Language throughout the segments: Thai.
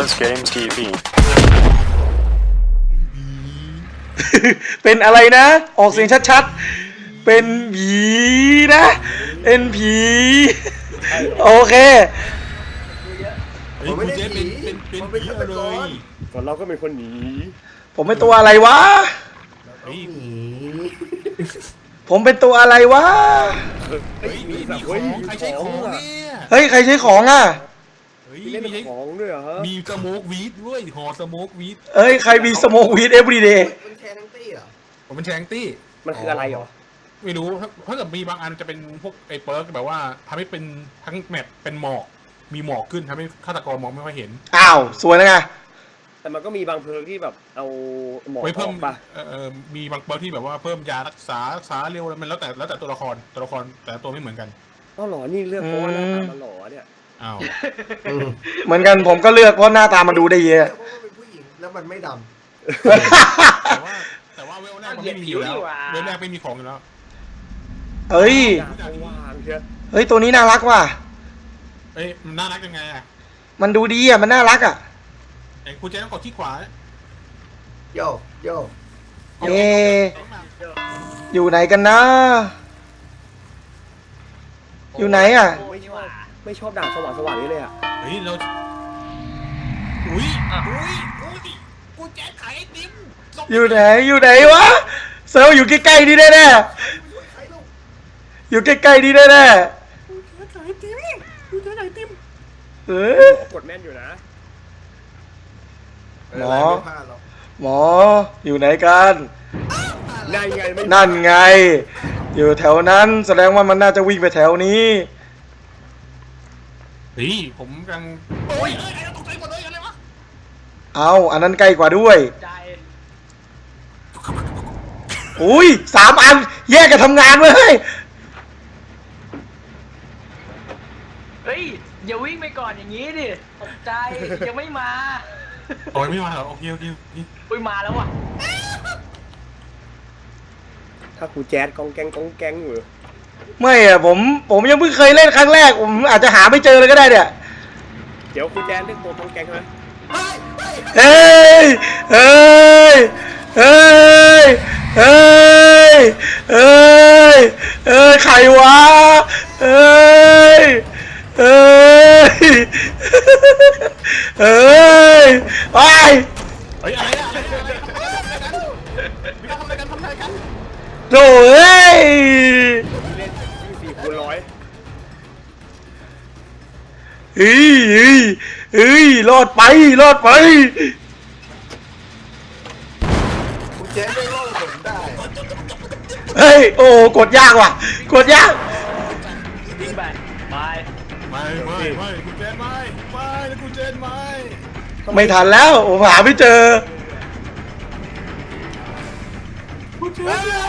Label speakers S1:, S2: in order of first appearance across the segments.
S1: Buzz Games TV.
S2: เป็นอะไรนะ ออกเสียงชัดๆ เป็นผีนะ เป็นผี โอเค
S3: เฮ้ยคุณเจสเป็นผีเลย
S4: ส่วนเราก็เป็นคนหนี
S2: ผมเป็นตัวอะไรวะ
S3: เฮ้ย
S2: ผมเป็นตัวอะไรวะ
S3: เฮ้ยมีของใครใช้ของเนี่ย
S2: เฮ้ย ใครใช้ของอ่ะ
S3: เฮ้ย
S4: เล่น
S3: มีใช้
S4: ของด้วยเหรอฮะ
S3: มีสโมกวีดด้วยห่อสโมกวีด
S2: เฮ้ย ใครมีสโมกวีดเอฟวีเดย์
S5: มันแชร์ทั้งตี้เหรอ
S3: ผมเป็นแชงตี้
S4: มันคืออะไรเหรอ
S3: ไม่รู้ถ้าเกิดมีบางอันจะเป็นพวกไอ้เปิร์กแบบว่าทำให้เป็นทั้งแมปเป็นหมอกมีหมอกขึ้นทำให้ฆาตกรมองไม่ค่อยเห็น
S2: อ้าว สวยนะไง
S4: แต่มันก็มีบางเพลิงที่แบบเอาหมอก
S3: ไว้เพิ่ม
S4: ออกปะ
S3: มีบางเปิร์กที่แบบว่าเพิ่มยารักษาเร็วมันแล้วแต่ตัวละครแต่ละตัวไม่เหมือนกัน
S4: อ๋อเหรอนี่เลือกเพราะว่าหน้าตามันหล่อเนี่ย
S3: อ้าว
S2: เหมือนกันผมก็เลือกเพราะหน้าตามันดูได้เยอะ
S5: เพราะว่าเป็นผู้หญิงแล้วมันไม่ด
S3: แต่ว่าเวลแรกมันไม่มีอยู่แล้วเวลแรกไม่มีของอยู่แล้ว
S2: เฮ้ย
S4: ดาบสว่างเชียว
S2: เฮ้ย ตัวนี้น่ารักว่ะ
S3: เอ้ยมันน่ารักยังไงอ่ะ
S2: มันดูดีอ่ะ มันน่ารักอ่ะ
S3: ไอ้คุณเจต้องกดที่ขวา
S5: ำโยโย
S2: เอ๊ะอยู่ไหนกันนะ อยู่ไหนอ่ะ
S4: ไม่ชอบดาบสว่างๆนี้เลยอ่ะ
S3: เฮ้ยเราอุ้ยกูแจกขายไอติม
S2: อยู่ไหน อยู่ไหนวะ เซลอยู่ใกล้ๆนี่แน่ๆอยู่ใกล้ๆนี่แน่
S3: กูแจกไอติม
S2: ๆเออก
S4: ดแม่นอยู่นะ
S2: หมอ
S5: ไม่พลาดหรอก
S2: หมอ อยู่ไหนกัน
S4: นั่นไงไม่
S2: นั่นไง อยู่แถวนั้น แสดงว่ามันน่าจะวิ่งไปแถวนี้
S3: เฮ้ยผมกำลังโอ้ยไอ้ตกใจหมดเลยอะไรวะ
S2: เอาอันนั้นใกล้กว่าด้วย อุ้ย3 อัน แยกกันทำงานเลย
S6: เฮ้ย อย่าวิ่งไปก่อนอย่างนี้ดิ ตกใจ ยังไม่มา
S3: โอ้ยไม่มาเหรอโอเค
S6: อุ้ยมาแล้วว่ะ
S4: ถ้าครูแจ๊ดกองแกงอยู่
S2: ไม่อะผมยังเพิ่งเคยเล่นครั้งแรก ผมอาจจะหาไม่เจอเลยก็ได้เนี่ย
S4: เดี๋ยวครูแจ๊ดเล่นตัวกองแกงใช่ไหม
S2: เฮ้ย เฮ้ย เฮ้ย เฮ้ย เฮ้ย เฮ้ย ใครวะ เฮ้ย เฮ้ย เฮ้ย ไป
S3: เฮ้ยอะไรอะมีการทำอะไรกัน
S2: โถ่เอ้ย
S4: เล่น24 คูณ 100
S2: เฮ้ยเฮ้ยเฮ้ย รอดไป รอดไป
S5: คุณเจ๊ไม่รอดผมได้
S2: เฮ้ย โอ้ กดยากว่ะ กดยาก
S6: วิ่งไปไป
S3: ไม่กูเจนไม่กูเจนไม่
S2: ไม่ทันแล้ว ผมหาไม่เจอ
S3: กูเจนแล้ว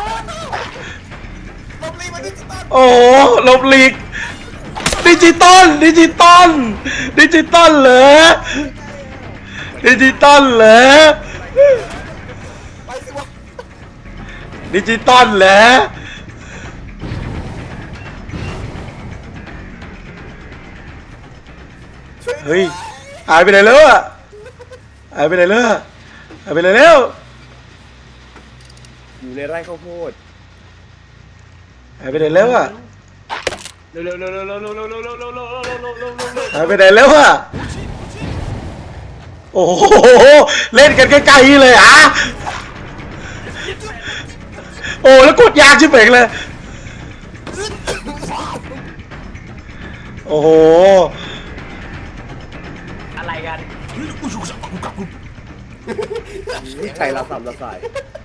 S2: โอ้หลบหลีก ดิจิตอลเหรอ ดิจิตอลเหรอ ดิจิตอลเหรอ เฮ้ย หายไปไหนแล้วอะหายไปไหนแล้วอะหายไปไหนแล้ว
S4: อยู่ในไร่ข้าวโพด
S2: หายไปไหนแล้วอะ
S6: เร็วเร็วเร็วเร็วเร็วเร็วเร็วเร็วเร็วเร็วเร็วเร็วเร็วเร็วเร็วเร็ว
S2: หายไปไหนแล้วอะโอ้โห เล่นกันใกล้ๆเลยอ่ะโอ้แล้วกดยากชิบเป่งเลย โอ้โห
S6: อะไรกัน
S3: กูชูสับกูกลับกู
S4: ใจละสามละสาย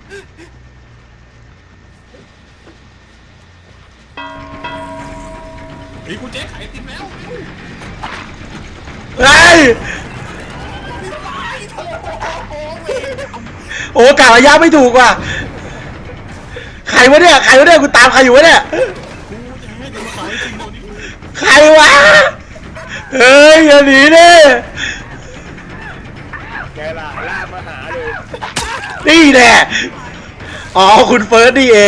S3: เฮ้ยกูเจนขายไอติมแล้ว
S2: เฮ้ย โอ้กะระยะไม่ถูกว่ะ ใครวะเนี่ย กูตามใครอยู่วะเนี่ย ใครวะ เฮ้ยอย่าหนีดิ
S4: แกล่ะล่ามาหาเลย
S2: นี่แน่อ๋อคุณเฟิร์สนี่เอง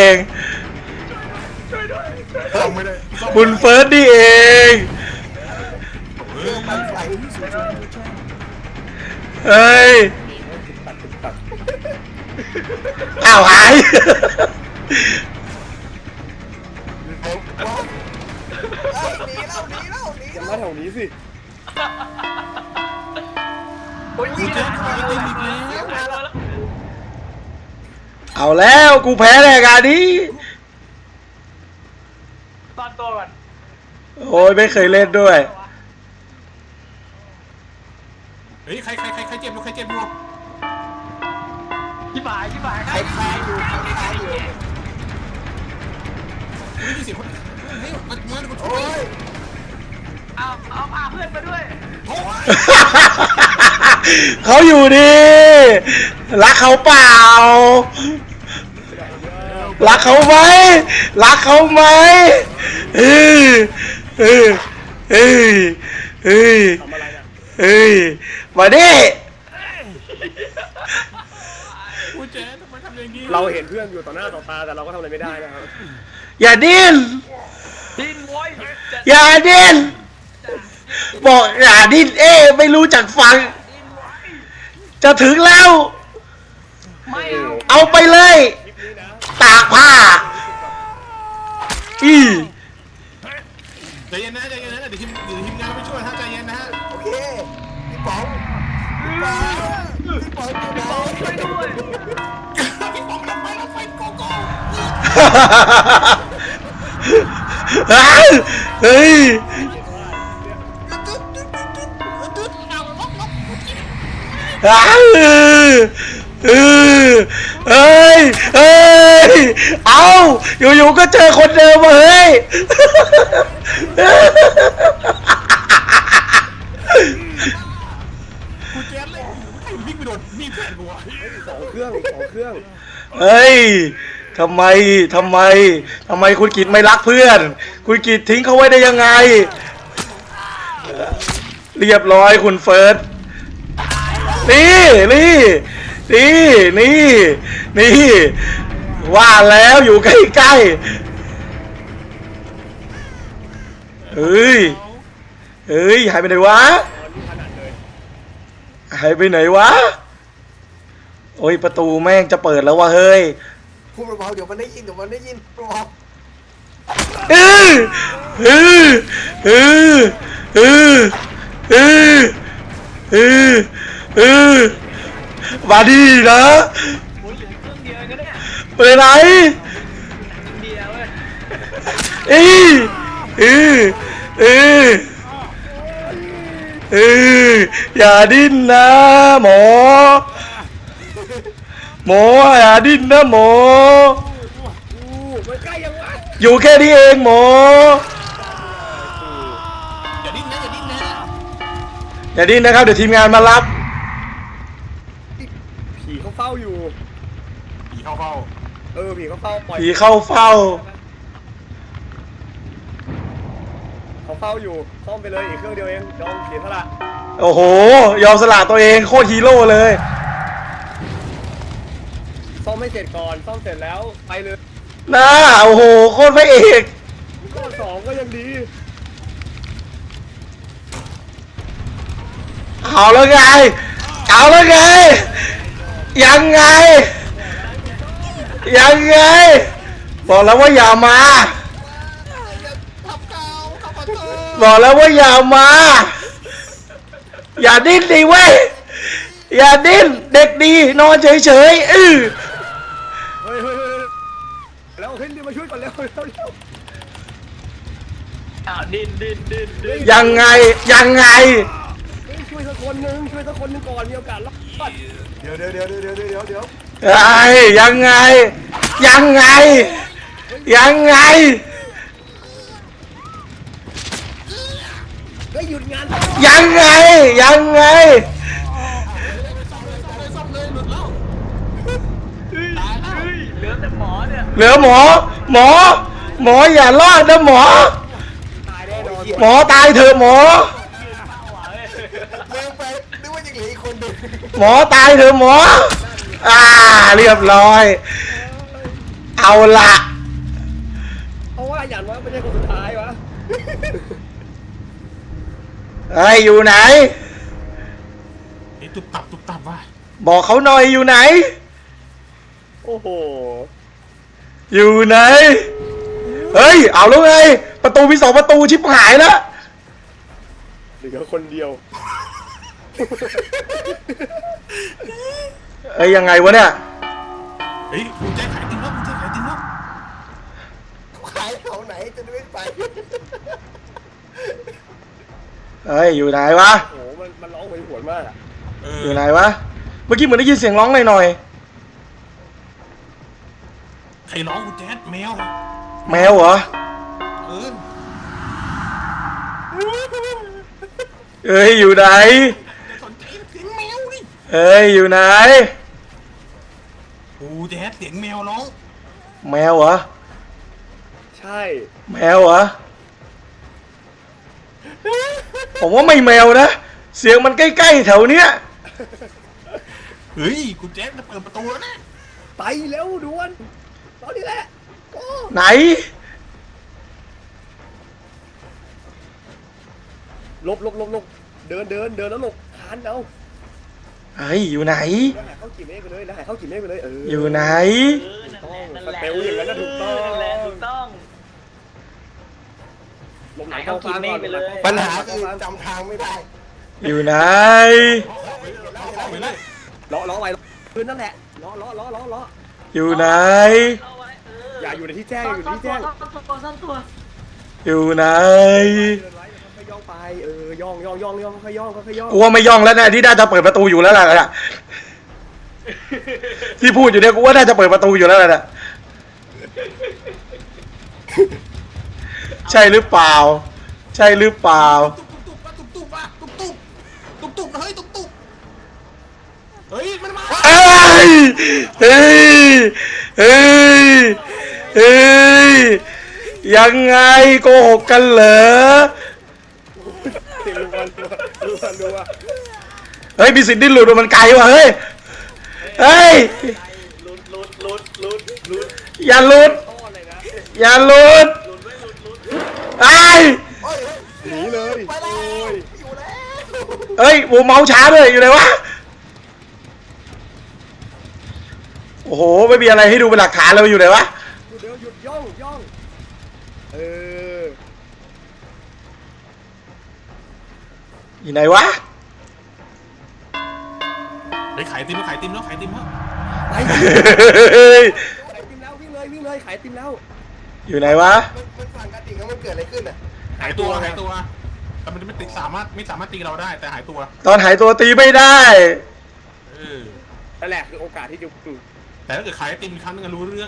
S3: ซ่อมไม่ได้
S2: คุณเฟิร์สนี่เองเอ้ย
S4: ตัด
S2: อ้าวหาย
S4: อย่ามาแถวนี้สิ
S6: โอ้ยวิ่งเลยวิ่งมาแล้ว
S2: เอาแล้วกูแพ้ในงานนี้
S6: ตอนตัวก่อน
S2: โอ้ยไม่เคยเล่นด้วย
S3: เฮ้ยใครเจ็บอยู่ใครเจ็บอยู่
S6: ที่บ่ายใคร
S3: ไม่มีเสียงคนเฮ้ยมันช่วย
S6: เอาพาเพื่อนมาด้วย
S2: เขาอยู่ดีรักเขาเปล่า รักเขาไหมรักเขาไหมเออเออเออเออ
S4: ทำอะไรเนี่ย
S2: เอ้ยมาดิ
S3: กูเจ๊ทำไมทำอย่างนี้
S4: เราเห็นเพื่อนอยู่ต่อหน้าต่อตาแต่เราก็ทำอะไรไม่ได้นะครับ
S2: อย่าดิ้น
S6: ดินโว้ย
S2: อย่าดิ้นบอกอย่าดิ้นไม่รู้จักฟัง จะถึงแล้ว
S6: ไม่เอา
S2: เอาไปเลย
S4: คลิปนี้นะ
S2: ตากผ้าอี
S3: ใจเย็นนะเดี๋ยวทีมงานไปช่วยฮะใจเย็นนะฮะ
S5: โอเคพี่ป๋องพี่ป๋องอยู่ไหน
S6: ช่วยด้วย
S3: พี่ป๋องลงไปโกโก้
S2: เฮ้ยเอ้ยเอาอยู่ๆก็เจอคนเดิมมาเฮ้ย
S3: กูเจ๊เลยไอ้วิ่งไปโดนมีเพื่อนกูอ่ะ
S4: สองเครื่อง
S2: เฮ้ยทำไมคุณกิตไม่รักเพื่อน คุณกิตทิ้งเขาไว้ได้ยังไง เรียบร้อยคุณเฟิร์สนี่ว่าแล้วอยู่ใกล้ๆเฮ้ยหายไปไหนวะโอ้ยประตูแม่งจะเปิดแล้ววะเฮ้ย
S5: พูดเบาๆเดี๋ยวมันได้ยินเบา
S2: มาดีนะ
S6: โอ้ยเหลือเครื่องเดียวกันเนี่ย
S2: ไปไหน
S6: เดียวเว้ย
S2: อย่าดิ้นนะหมออย่าดิ้นนะหมอ
S4: มันใกล้ยังวะ
S2: อยู่แค่นี้เองหมอ
S3: อย่าดิ้นนะ
S2: อย่าดิ้นนะครับเดี๋ยวทีมงานมารับ
S4: ผีเขาเฝ้าอยู่
S3: ผีเข้าเฝ้า
S4: ผีเขาเฝ้าปล่อย
S2: ผีเข้าเฝ้า
S4: เขาเฝ้าอยู่ซ่อมไปเลยอีกเครื่องเดียวเองยอมเสียสละ
S2: โอ้โหยอมสละตัวเองโคตรฮีโร่เลย
S4: ซ่อมให้เสร็จก่อนซ่อมเสร็จแล้วไปเลย
S2: น่าโอ้โหโคตรพระเอก
S4: ข้อสองก็ยังดี
S2: เอาแล้วไงยังไงบอกแล้วว่าอย่ามาอย่าดิ้นดิเว้ยอย่าดิ้นเด็กดีนอนเฉยๆ
S4: เฮ้ยแล้วขึ้นดิมาช่วยก่อนเร็ว
S6: อ้าวดิน
S2: ยังไง
S4: ช่วยสักคนหนึ่งก่อนมีโอกาสรอด
S5: เดี๋ยว
S2: ไอ้ยังไง
S4: เฮ้ยหยุดงาน
S2: ยังไง
S6: เหลือแต่หมอเนี่ย
S2: เหลือหมออย่ารอดนะหมอ
S4: ตายแน่นอน
S2: หมอตายเถอะหมอ
S5: เร็วไปนึกว่ายังเหลืออีกคนหนึ่ง
S2: หมอตายเถอะหมอเรียบร้อย เอาละ
S4: เพราะว่าหยันว่าไม่ใช่คนสุดท้ายวะ
S2: เฮ้ยอยู่ไหน
S3: ไอ้ตุบตับ
S2: บอกเขาหน่อยอยู่ไหน
S4: โอ้โห
S2: อยู่ไหน เฮ้ย เอาแล้วไง ประตูมี2 ประตูชิบหายแล้ว
S4: เหลือคนเดียว
S2: เอ้ยยังไงวะเนี่ย
S3: เฮ้ยกูแจ้งขายติมแล้วกูแจ้งขายติมแล้ว
S5: ขายแถวไหนจะได้ไม่ไป
S2: เฮ้ยอยู่ไหนวะ
S4: โอ้โหมันร้องโหยหวนมากอะ
S2: อยู่ไหนวะ เมื่อกี้เหมือนได้ยินเสียงร้องหน่อย
S3: ใครร้องกูแจ๊ดแมว
S2: ๆแมวเหรอ
S3: เออ
S2: เอ้ยอยู่ไหน
S3: สนใจเสียงแมวดิ
S2: เอ้ยอยู่ไหน
S3: กูแจ๊ดเสียงแมวร้อง
S2: แมวเหรอ
S4: ใช่
S2: แมวเหรอ ผมว่าไม่แมวนะ เสียงมันใกล้ๆแถวเนี้ย
S3: เฮ้ยกูแจ๊ดจะเปิดประตูแล้วนะ
S4: ไปเร็วด่วนตอนนี้แหละโอ้
S2: ไหน
S4: ลบเดินแล้วหลบคันเอา
S2: เฮ้ยอยู่ไหน
S4: แล้วหายเข้ากี่เมตรไปเลยแล้วหายเข้ากี่เมตรไปเลย
S2: อยู่ไหน
S6: นั่นแหละ
S4: สเตลอย่างนั้นน่ะถูกต้อง
S6: นั่นแหละถูกต้อง
S4: ลงไหนเข้าฟางก่อน
S6: ไปเลย
S5: ปัญหาคือจำทางไม่ได้
S2: อยู่ไหน
S3: ไปเลย
S4: ล้อไว้พื้นนั่นแหละล้อ
S2: อยู่ไหน
S6: เอาไว้
S4: อย่าอยู่ในที่แจ้งอยู่ในที่แจ้ง
S6: ซ่อนตัว
S2: อยู่ไหน
S4: เดินไว้ค่อยย่องไปย่องค่อยย่อง
S2: กูว่าไม่ย่องแล้วนะที่น่าจะเปิดประตูอยู่แล้วล่ะที่พูดอยู่เนี่ยกูว่าน่าจะเปิดประตูอยู่แล้วล่ะใช่หรือเปล่า ใช่หรือเปล่า
S3: ตุ๊บเฮ้ยตุ๊บเฮ้ยมันมา
S2: เอ้ยเฮ้ยเฮ้ยเฮ้ยยังไงโกหกกันเหรอ
S4: เสียงดูว่า
S2: เฮ้ยมีสิทธิ์ดิ้นหลุดมันไกลว่ะเฮ้ยเฮ้ย
S6: ลุด
S2: อย่าหลุด
S4: ต้อนเลยนะ
S2: อย่าหลุดไอ้ย
S4: หนีเลยโอ้ย
S2: เอ้ยโมเมาช้าด้วยอยู่ไหนวะโอ้โหไม่มีอะไรให้ดูเป็นหลักฐานเลยอยู่ไหนวะ
S4: เดี๋ยวหยุดย่องเออ
S2: อยู่ไหนวะ
S3: ไปขายติมแล้วขายติมแล้ว
S4: ไปขายติมแล้ววิ่งเลยขายติมแล้ว
S2: อยู่ไหนวะ
S5: มันสั่งกระดิ่งแล้วมันเกิดอะไรขึ้นอ่ะ
S3: หายตัวแต่มันไม่สามารถตีเราได้แต่หายตัว
S2: ตอนหายตัวตีไม่ได้
S3: เออ
S4: นั่นแหละคือโอกาสที่จะ
S3: แต่ถ้าเกิดขายติมอีกครั้งนึงรู้เรื่อง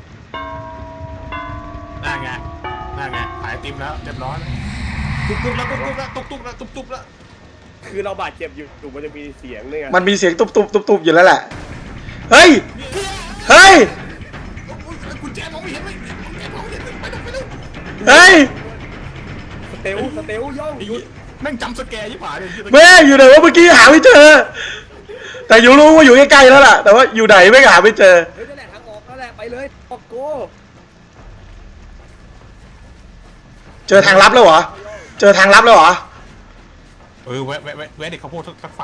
S3: น่าไงขายติมแล้วเรียบร้อยตุ๊บแล้ว
S4: คือเราบาดเจ็บอยู่มันจะมีเสียงเนี่ย
S2: มันมีเสียงตุบอยู่แล้วแหละ เฮ้ย เฮ้ย
S3: กุญแจมองไม่เห็นเลยไปเลย
S2: เฮ้ย
S4: สเตลย่องหยุด
S3: แม่งจำสแกร์ยี่ป่าเนี่ย
S2: แม่อยู่ไหนวะเมื่อกี้หาไม่เจอ แต่อยู่รู้ว่าอยู่ใกล้ๆแล้วล่ะ แต่ว่าอยู่ไหนไม่หาไม่เจอ
S4: เฮ้ยนั่นแหละทางออกนั่นแหละไปเลยออกโก
S2: เจอทางลับแล้วเหรอ เจอทางลับแล้วเหรอ
S3: แวะเด็กข้าวโพดสักฝัก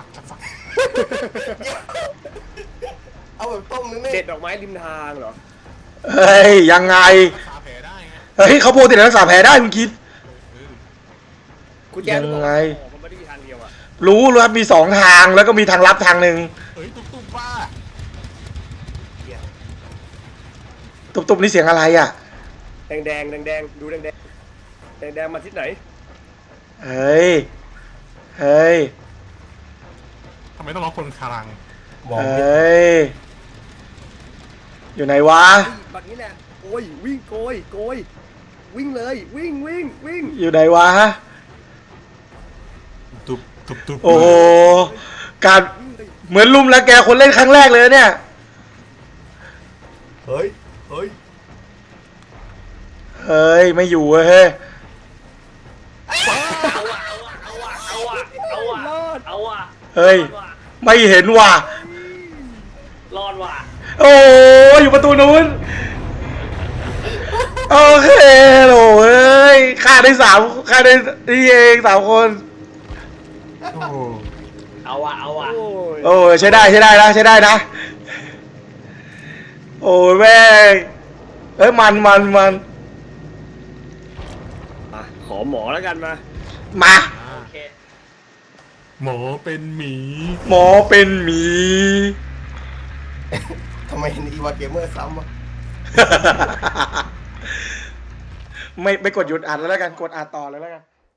S5: เอาแบบต้มนึง
S4: เด็
S5: นี่
S4: ดดอกไม้ริมทางเหรอ
S2: เฮ้ยยังไง
S3: รักษาแผลได้ไง
S2: เฮ้ยเขาโพดติดรักษาแผลได้มึงคิด
S4: กูแจ้งบอก
S2: ยังไง
S4: มันไม่ได้มีทางเดียวอ่ะ
S2: รู้ว่ามี2 ทางแล้วก็มีทางลับทางหนึ่ง
S3: เฮ้ยตุ๊บป้า
S2: ตุบๆนี่เสียงอะไรอ่ะ
S4: แดงดูแดงมาทิศไหน
S2: เฮ้ย เฮ้ย
S3: ทำไมต้องร้องคนคารัง
S2: เฮ้ย อยู่ไหนวะ
S4: บักนี้แหละโกยวิ่งโกยวิ่งเลยวิ่ง
S2: อยู่ไหนวะ
S3: ตุ๊บ
S2: โอ้โห การเหมือนลุมแล้วแกคนเล่นครั้งแรกเลยเนี่ย
S5: เฮ้ย
S2: เฮ้ย ไม่อยู่เว้ยเฮ้ย
S6: เอาว่ะ
S2: เฮ้ย ไม่เห็นว่ะ
S6: รอดว่ะ
S2: โอ้ยอยู่ประตูนู้น โอเคโอ้ยฆ่าได้นี่เอง3 คน
S3: โอ้
S6: เอาว่ะเอาว่ะ
S4: โอ้ย
S2: โอ้ยใช้ได้นะใช้ได้นะโอ้ยแม่งเอ้ยมัน
S4: อ่ะขอหมอแล้วกันมา
S2: มา
S6: โอเค
S3: หมอเป็นหมี
S2: หมอเป็นหมี
S5: ทำไมเห็นอีวาเกมเมอร์ซ้ำวะ
S2: ไม่กดหยุดอ่านแล้วกันกดอ่านต่อเลยแล้วกัน